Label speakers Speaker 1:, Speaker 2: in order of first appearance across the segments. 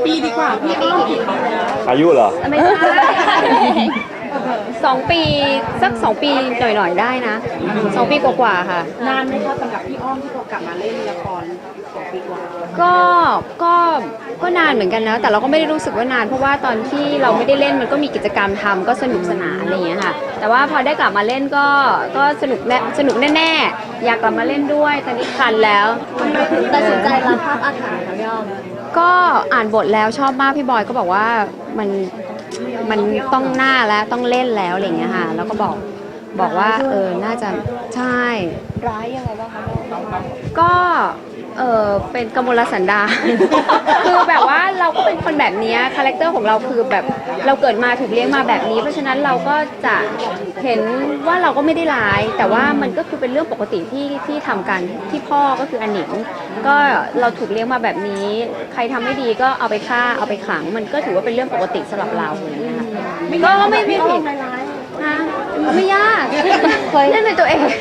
Speaker 1: ปีดีกว่าพี่อ้อมกี่ปีแล้ว
Speaker 2: อายุเหรอ
Speaker 3: ไม่ใช่2 ปีสัก2 ปีหน่อยๆได้นะ2 ปีกว่าๆค่ะ
Speaker 1: นานไหมคะสำหรับพี่อ้อมที่พอกลับมาเล่นละคร2 ปีกว่า
Speaker 3: ก็ก็ก็นานเหมือนกันนะแต่เราก็ไม่ได้รู้สึกว่านานเพราะว่าตอนที่เราไม่ได้เล่นมันก็มีกิจกรรมทำก็สนุกสนานอะไรอย่างเงี้ยค่ะแต่ว่าพอได้กลับมาเล่นก็สนุกแน่ๆอยากกลับมาเล่นด้วยตอนนี้คันแล้ว
Speaker 4: ตัดสินใจรับภาพอาถรรพ์ค่ะพี่อ้อม
Speaker 3: ก็อ่านบทแล้วชอบมากพี่บอยก็บอกว่ามันต้องหน้าแล้วต้องเล่นแล้วอะไรอย่างเงี้ยค่ะแล้วก็บอกว่าน่าจะใช่
Speaker 4: ร้ายยังไงบ้างคะ
Speaker 3: ก็เป็นกมลสันดาน คือแบบว่าเราก็เป็นคนแบบนี้คาแรคเตอร์ของเราคือแบบเราเกิดมาถูกเลี้ยงมาแบบนี้เพราะฉะนั้นเราก็จะเห็นว่าเราก็ไม่ได้ร้ายแต่ว่ามันก็คือเป็นเรื่องปกติที่ทำกันที่พ่อก็คืออนิงก็เราถูกเลี้ยงมาแบบนี้ใครทำไม่ดีก็เอาไปฆ่าเอาไปขังมันก็ถือว่าเป็นเรื่องปกติสำหรับเราอย่างเงี้ยค่ะก็ไม่ผิดนะไม่ยากเล่นเป็นตัวเอง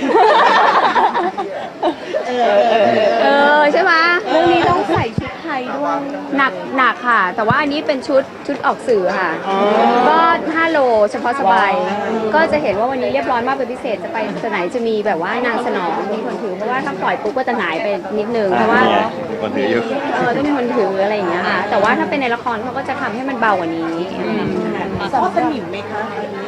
Speaker 3: ใช่ไหม
Speaker 4: เรื่องนี้ต้องใส่ชุดไทยด้วย
Speaker 3: หนักค่ะแต่ว่าอันนี้เป็นชุดออกสื่อค่ะก็5 โลเฉพาะสบายก็จะเห็นว่าวันนี้เรียบร้อยมากเป็นพิเศษจะไปไหนจะมีแบบว่านางสนองมีคนถือเพราะว่าถ้าปล่อยปุ๊บก็จะหายไปนิดนึงเพราะว่า
Speaker 2: คนถืออยู่
Speaker 3: ต้องมีคนถืออะไรอย่างเงี้ยค่ะแต่ว่าถ้าเป็นในละครเขาก็จะทำให้มันเบากว่านี้
Speaker 1: สอบสนิมไหมคะวันนี้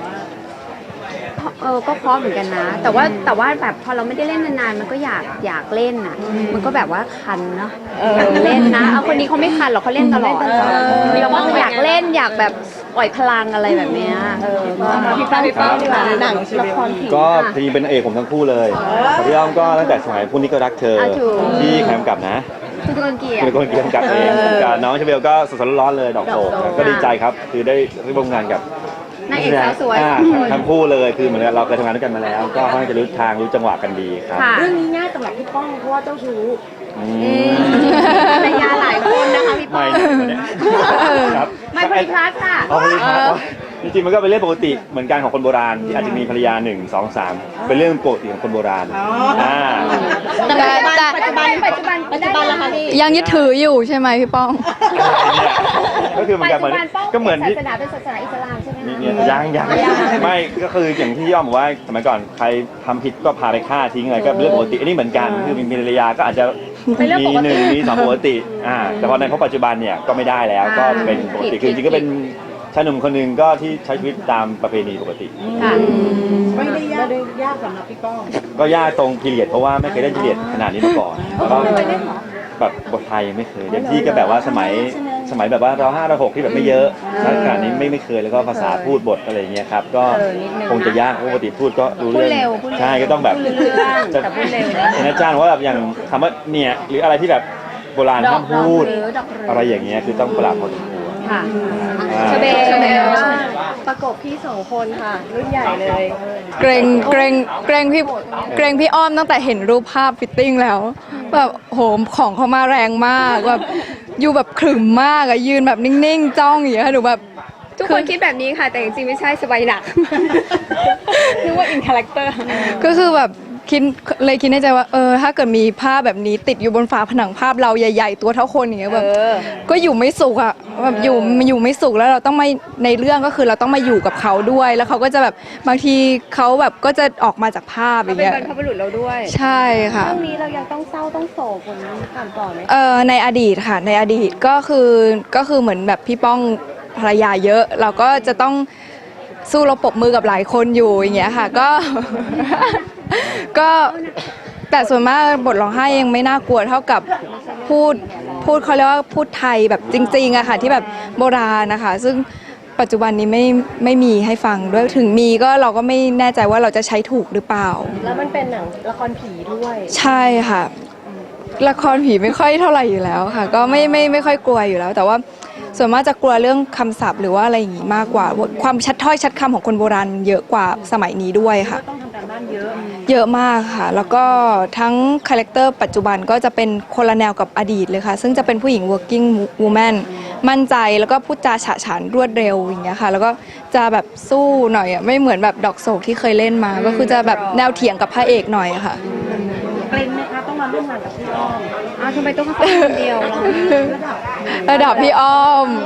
Speaker 3: ก็เพราะเหมือนกันนะแต่ว่าแบบพอเราไม่ได้เล่นนานๆมันก็อยากเล่นอ่ะมันก็แบบว่าคันเนาะอยากเล่นนะเอาคนนี้เขาไม่คันหรอกเขาเล่นตลอดเราก็อยากเล่นอยากแบบปล่อยพลังอะไรแบบเนี้ย
Speaker 4: พี่ป้าดีกว่าหนังละครผี
Speaker 2: ก็จริงๆเป็นเอกผมทั้งคู่เลยพี่อ้อมก็ตั้งแต่สมัยพวกนี้ก็รักเธอที่แคมป์กับนะ
Speaker 3: คือคนเกียร์
Speaker 2: เป็นคนเกียร์กับเองกับน้องเชเบลก็สดๆร้อนๆเลยดอกโศกก็ดีใจครับคือได้ร่วมงานกับ
Speaker 3: นางเอกสาวสวย
Speaker 2: ทั้งคู่เลยคือเหมือนเราเคยทำงานด้วยกันมาแล้วก็ค่อนข้างจะรู้ทางรู้จังหวะกันดีครับ
Speaker 1: เรื่องนี้ง่ายสำหรับพี่ป้องเพราะว่าเจ้าชู้
Speaker 3: ภรรยาหลายคนนะคะพี่ป้อง
Speaker 2: ครับ
Speaker 3: ไม่พลิพลัสค่ะ
Speaker 2: จริงๆมันก็เป็นเรื่องปกติเหมือนกันของคนโบราณที่อาจจะมีภรรยา1 2 3เป็นเรื่องปกติของคนโบราณ
Speaker 4: แต่
Speaker 3: ปัจจุบัน
Speaker 4: แล้วค่ะพี่
Speaker 5: ยังยึดถืออยู่ใช่ไหมพี่ป้อง
Speaker 2: ก็คือเหมือนกันก็เหมือน
Speaker 3: ศาสนาเป็นศาสนาอิสลามใช่ไหม
Speaker 2: ยังไม่ก็คืออย่างที่ย่อมบอกว่าสมัยก่อนใครทำผิดก็พาไปฆ่าทิ้งอะไรก็เป็นเรื่องปกติอันนี้เหมือนกันคือมีภรรยาก็อาจจะมี1มี2ปกติแต่พอในปัจจุบันเนี่ยก็ไม่ได้แล้วก็เป็นปกติคือจริงๆก็เป็นชายหนุ่มคนหนึ่งก็ที่ใช้ชีวิตตามประเพณีปกติ
Speaker 1: ไม่ได้ยากสำหรับพี่ป้อง
Speaker 2: ก็ยากตรงพีเรียดเพราะว่าไม่เคยเล่นพีเรียดขนาดนี้มาก่อนแล้วก็แบบบทไทยไม่เคยเต็มที่ก็แบบว่าสมัยแบบว่าเรา5 เรา 6ที่แบบไม่เยอะขนาดนี้ไม่เคยแล้วก็ภาษาพูดบทอะไรอย่างเงี้ยครับก็คงจะยากปกติพูดก็รู้เรื่องใช่ก็ต้องแบบ
Speaker 3: จะพูดเร็ว
Speaker 2: นะอาจารย์ว่าแบบอย่างคำว่าเนี่ยหรืออะไรที่แบบโบราณห้ามพูดอะไรอย่างเงี้ยคือต้องปรับพอสมควร
Speaker 3: ค่ะ
Speaker 4: เชเบลประกบพี่2 คนค่ะรุ่นใหญ่เลย
Speaker 5: เกรงพี่อ้อมตั้งแต่เห็นรูปภาพฟิตติ้งแล้วแบบโหของเขามาแรงมากแบบอยู่แบบขรึมมากอะยืนแบบนิ่งๆจ้องอย่างเงี้ยหนูแบบ
Speaker 3: ทุกคนคิดแบบนี้ค่ะแต่จริงๆไม่ใช่สบายหนักนึกว่าอินคาแรคเตอร์
Speaker 5: ก็คือแบบคิดในใจว่าถ้าเกิดมีภาพแบบนี้ติดอยู่บนฝาผนังภาพเราใหญ่ๆตัวเท่าคนอย่างเงี้ยแบบก็อยู่ไม่สุขอะแบบอยู่ไม่สุขแล้วเราต้องมาในเรื่องก็คือเราต้องมาอยู่กับเขาด้วยแล้วเขาก็จะแบบบางทีเขาแบบก็จะออกมาจากภาพอย่างเงี้ย
Speaker 3: เป็นบรรพบุรุษเราด้วย
Speaker 5: ใช่ค่ะ
Speaker 4: เรื่องนี้เรายังต้องเศร้าต้องโศกคนผ่านต่อไหม
Speaker 5: ในอดีตค่ะในอดีตก็คือเหมือนแบบพี่ป้องภรรยาเยอะเราก็จะต้องสู้รบปรบมือกับหลายคนอยู่อย่างเงี้ยค่ะก็แต่ส่วนมากบทร้องไห้ยังไม่น่ากลัวเท่ากับพูดเขาเรียกว่าพูดไทยแบบจริงๆอะค่ะที่แบบโบราณนะคะซึ่งปัจจุบันนี้ไม่มีให้ฟังด้วยถึงมีก็เราก็ไม่แน่ใจว่าเราจะใช้ถูกหรือเปล่า
Speaker 4: แล้วมันเป็นหนังละครผีด้วย
Speaker 5: ใช่ค่ะละครผีไม่ค่อยเท่าไหร่อยู่แล้วค่ะก็ไม่ค่อยกลัวอยู่แล้วแต่ว่าส่วนมากจะกลัวเรื่องคำศัพท์หรือว่าอะไรอย่างงี้มากกว่าความชัดถ้อยชัดคำของคนโบราณเยอะกว่าสมัยนี้ด้วยค่ะ
Speaker 1: ต้องทำการบ้านเ
Speaker 5: ยอะมากค่ะแล้วก็ทั้งคาแรคเตอร์ปัจจุบันก็จะเป็นคนละแนวกับอดีตเลยค่ะซึ่งจะเป็นผู้หญิง working woman มั่นใจแล้วก็พูดจาฉะฉานรวดเร็วอย่างเงี้ยค่ะแล้วก็จะแบบสู้หน่อยไม่เหมือนแบบดอกโศกที่เคยเล่นมาก็คือจะแบบแนวเถียงกับพระเอกหน่อยค่ะ
Speaker 1: เกรงไหมคะต้องมาร่วมงานกับพี่อ้อม
Speaker 3: อ้าวทำไมต้องเขาคนเดียวล่ะ
Speaker 5: ระดับพี่อ้อม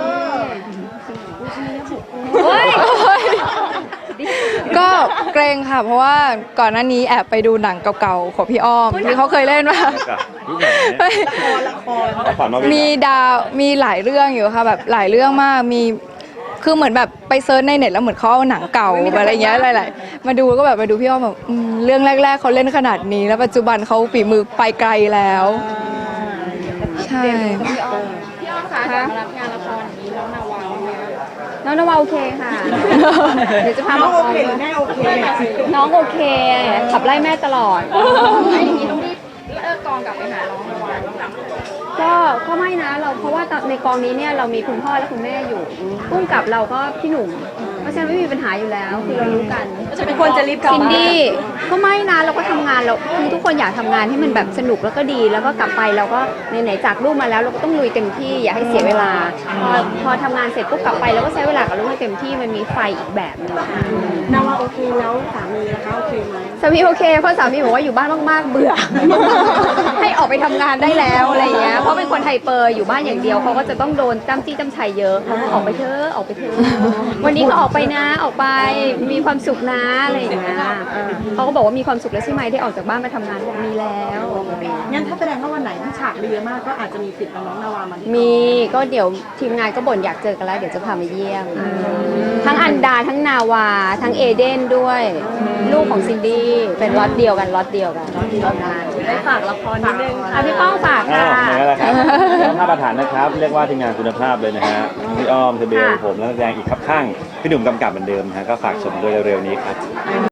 Speaker 3: เฮ้ย
Speaker 5: ก็เกรงค่ะ เพราะว่าก่อนหน้านี้แอบไปดูหนังเก่าๆของพี่อ้อมที่เขาเคยเล่นมา
Speaker 2: กับลูกหนังเนี่ยฝันมาวิ่ง
Speaker 5: มีดาวมีหลายเรื่องอยู่ค่ะแบบหลายเรื่องมากมีคือเหมือนแบบไปเซิร์ชในเน็ตแล้วเหมือนเขาเอาหนังเก่าอะไรเงี้ยหลายๆมาดูก็แบบมาดูพี่อ้อมแบบเรื่องแรกๆเขาเล่นขนาดนี้ แล้วปัจจุบันเขาฝีมือไปไกลแล้ว ใช่
Speaker 3: พี่อ้อมคะรับงานละครอย่างนี้น้องนาวาน้องนาวาโอเคค่ะ เดี๋ยวจะพา
Speaker 1: น้
Speaker 3: มา
Speaker 1: องโอเคแม่โอเค
Speaker 3: น้องโอเค ขับไล่แม่ตลอด
Speaker 1: อย่างนี้ต้องรีบเลิกกองกลับไปหาน้องนาวา
Speaker 3: ก็ไม่นะเราเพราะว่าในกองนี้เนี่ยเรามีคุณพ่อและคุณแม่อยู่พุ่งกับเราก็พี่หนุ่มเพราะฉะนั้นไม่มีปัญหาอยู่แล้วคือเรารู้กัน
Speaker 4: จะเป็นคนจะรีบกลับ
Speaker 3: ซิน
Speaker 4: บ้าน
Speaker 3: ดี้ก็ไม่นะเราก็ทำงานเราคือทุกคนอยากทำงานให้มันแบบสนุกแล้วก็ดีแล้วก็กลับไปเราก็ไหนๆจากลูกมาแล้วเราก็ต้องลุยเต็มที่อย่าให้เสียเวลาพอทำงานเสร็จปุ๊บกลับไปเราก็ใช้เวลากับลูกให้เต็มที่มันมีไฟอีกแบบหนึง
Speaker 1: นาวาโอเคแล้วสามีนะคะโอเคไหม
Speaker 3: สามีโอเคเพราะสามีบอกว่าอยู่บ้านมากๆเบื่อ ให้ออกไปทำงานได้แล้วอะไรอย่างเงี้ยเพราะเป็นคนไฮเปอร์อยู่บ้านอย่างเดียวเขาก็จะต้องโดนจ้ำจี้จ้ำชัยเยอะออกไปเถอะออกไปเถอะวันนี้ก็ออกไปนะออกไปมีความสุขนะอะไรอย่างเงี้ยเขาก็บอกว่ามีความสุขแล้วใช่ไหมที่ออกจากบ้านมาทำงานบอกมีแล้ว
Speaker 1: งั้นถ้าแสดงว่าวันไหนที่ฉากเยอะมากก็อาจจะมีสิทธิ์เอาน้องนาวามาที่
Speaker 3: มีก็เดี๋ยวทีมงานก็บ่นอยากเจอกันแล้วเดี๋ยวจะพามาเยี่ยม ทั้งอันดาทั้งนาวาทั้งเอเดนด้วย ลูกของซินดี้เป็นล็อตเดียวกันล็อตเดียวกันงาน
Speaker 4: ได้ฝากละครนิดนึง
Speaker 3: อ่ะพี่ป้องฝาก
Speaker 2: อ้า
Speaker 3: ค่ะ
Speaker 2: วอย่างนั้นแหละครับภาพประธานนะครับ เรียกว่าทีมงานคุณภาพเลยนะฮะพี่อ้อมเทเบลผมและนักแสดงอีกครับข้างพี่หนุ่มกำกับเหมือนเดิมนะฮะก็ฝากชมด้วยเร็วๆนี้ครับ